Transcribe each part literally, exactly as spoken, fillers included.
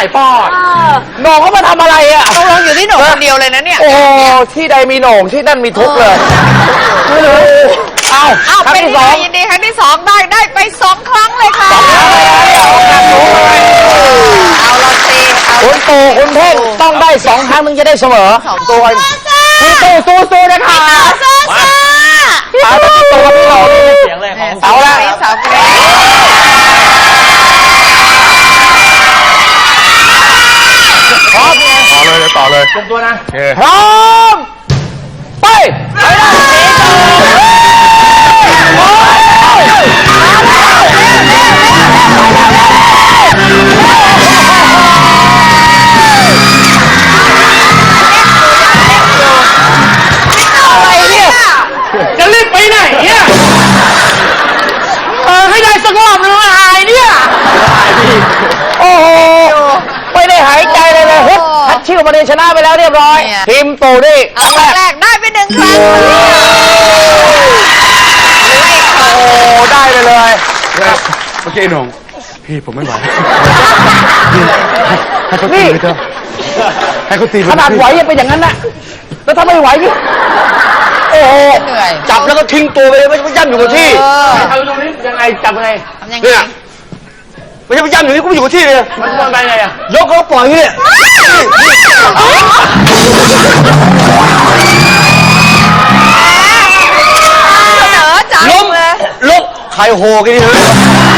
ปอดโหน่งเขามาทำอะไรอ่ะต้องลงอยู่ที่โหน่งคนเดียวเลยนะเนี่ยโอ้ที่ใดมีโหน่งที่นั่นมีทุกเลยไม่รู้เอาเอาครั้งเป็นที่สองยินดีครั้งที่สองได้ได้ไปสองครั้งเลยค่ะเอาละสิคุณตู่คุณเท่งต้องได้สองครั้งมึงจะได้เสมอตัวพี่ตู่สู้สู้นะคะมาเอาตัวพี่เราเสียงเลยของเอาละสาวเกรพร้อมต่อเลยต่อเลยเตรียมตัวนะพร้อมไปไปจะรีบไปไหนเนี่ยเออให้ได้สักรอบนึงหายเนี่ยโอ้โหไม่ได้หายใจเลยเลยฮึดทัดชิวมาเดินชนะไปแล้วเรียบร้อยทีมตู่นี่ครั้งแรกได้ไปหนึ่งครั้งโอ้ได้เลยเลยเมื่อกี้หนุ่มพี่ผมไม่ไหวให้เขาตีนี่เถอะให้เขาตีขนาดไหวยังเป็นอย่างนั้นน่ะแล้วถ้าไม่ไหวนี่โอ้โหจับแล้วก็ทิ้งตัวไปเลยไม่ไม่ย่ำอยู่กับที่เอาตรงนี้ยังไงจับยังไงเนี่ยไม่ใช่ไปย่ำอยู่นี่กูอยู่กับที่เลยมันมันไปไงอ่ะยกเขาปล่อยนี่ล้มล้มใครโหกันนี่เฮ้ย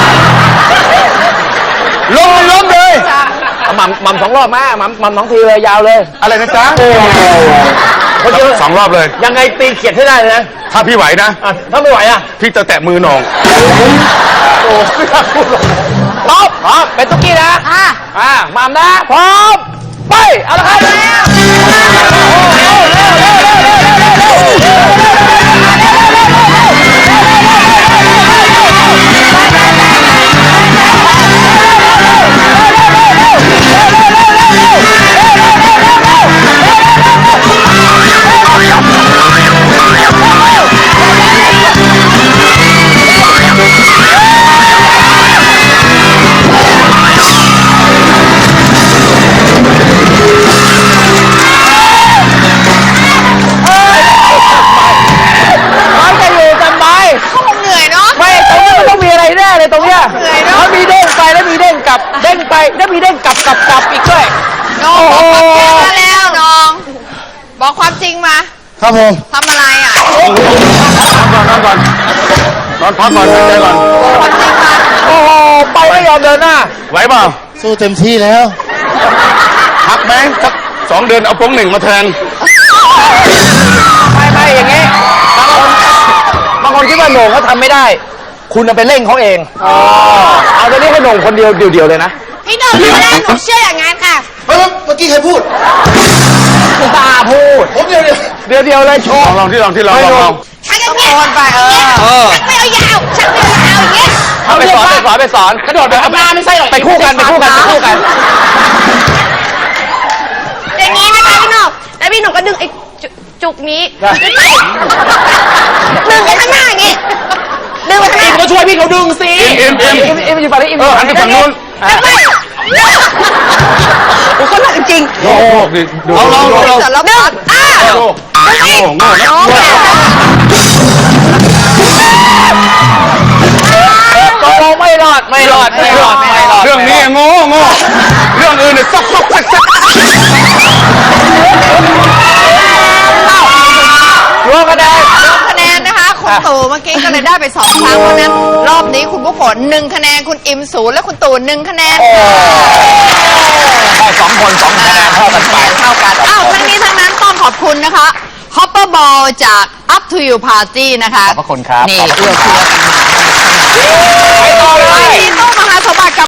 ล้มล้มเลยหม่ำหม่ำสองรอบมาหม่ำหม่ำสองทีเลยยาวเลยอะไรนะจ๊ะคนเดียวสองรอบเลยยังไงตีเขียดให้ได้เลยนะถ้าพี่ไหวนะถ้าไม่ไหวอ่ะพี่จะแตะมือหน่องโอ้ไม่กล้าพูดหรอกพร้อมพร้อมเป็นตุ๊กกี้นะอ่าอ่าหม่ำนะพร้อมไปเอาละตรงเนี้ยเขามีเด้งไปแล้วมีเด้งกลับเด้งไปแล้วมีเด้งกลับกลับกลับอีกด้วยน้องบอกความจริงมาแล้วน้องบอกความจริงมาครับผมทำอะไรอ่ะนอนก่อนนอนก่อนนอนพักก่อนหายใจก่อนความจริงมาโอ้โหไปไม่ยอมเดินหน้าไหวเปล่าสู้เต็มที่แล้วพักไหมสักสองเดือนเอาป้งหนึ่งมาแทนไม่ไม่อย่างงี้บางคนบางคนคิดว่าโหน่งเขาทำไม่ได้คุณจะไปเร่งเขาเองอ๋อเอาตอนนี้ให้โหน่งคนเดียวเดียวๆเลยนะพี่โหน่งไม่ได้หนูเชื่ออย่างนั้นค่ะเมื่อกี้ใครพูดตาพูดผมเดียวเดียวเดียวเดียวเลยโชว์ลองที่ลองที่ลองลองชักอย่างเงี้ยไปเออชักไม่เอายาวชักไม่เอายาวอย่างเงี้ยเอาไปสอนไปสอนไปสอนกระโดดแบบหน้าไม่ใช่หรอกไปคู่กันไปคู่กันไปคู่กันอย่างนี้นะคะพี่โหน่งแล้วพี่โหน่งก็ดึงไอ้จุกนี้ดึงไปข้างหน้าอย่างงี้ดึงไปข้างหน้าก็ช่วยพี่เขาดึงสิเอ็มเอ็มเอ็มเอ็มอยู่ฝั่งนี้เอ็มเออหันไปฝั่งนู้นไม่ผมก็หนักจริงโอ้โหดิดูเราเราเราเราดึงอ้าโง่โง่โง่น้องตกลงไม่รอดไม่รอดไม่รอดไม่รอดเรื่องนี้โง่โง่เรื่องอื่นเนี่ยซักซักซักซักรวมคะแนนรวมคะแนนนะคะคุณตู่เมื่อกี้ก็เลยได้ไปสองครั้งเพราะนั้นรอบนี้คุณผู้ผลหนึ่งคะแนนคุณอิมศูนย์และคุณตู่หนึ่งคะแนนได้สองคนสองคะแนนเท่ากันไปเท่ากันอ้าวทั้งนี้ทั้งนั้นต้องขอบคุณนะคะ Hopper Ball จาก Up to You Party นะคะขอบคุณครับนี่เอื้อเฟื้อกันมาไปต่อเลยที่ตู้มหาสมบัติกับ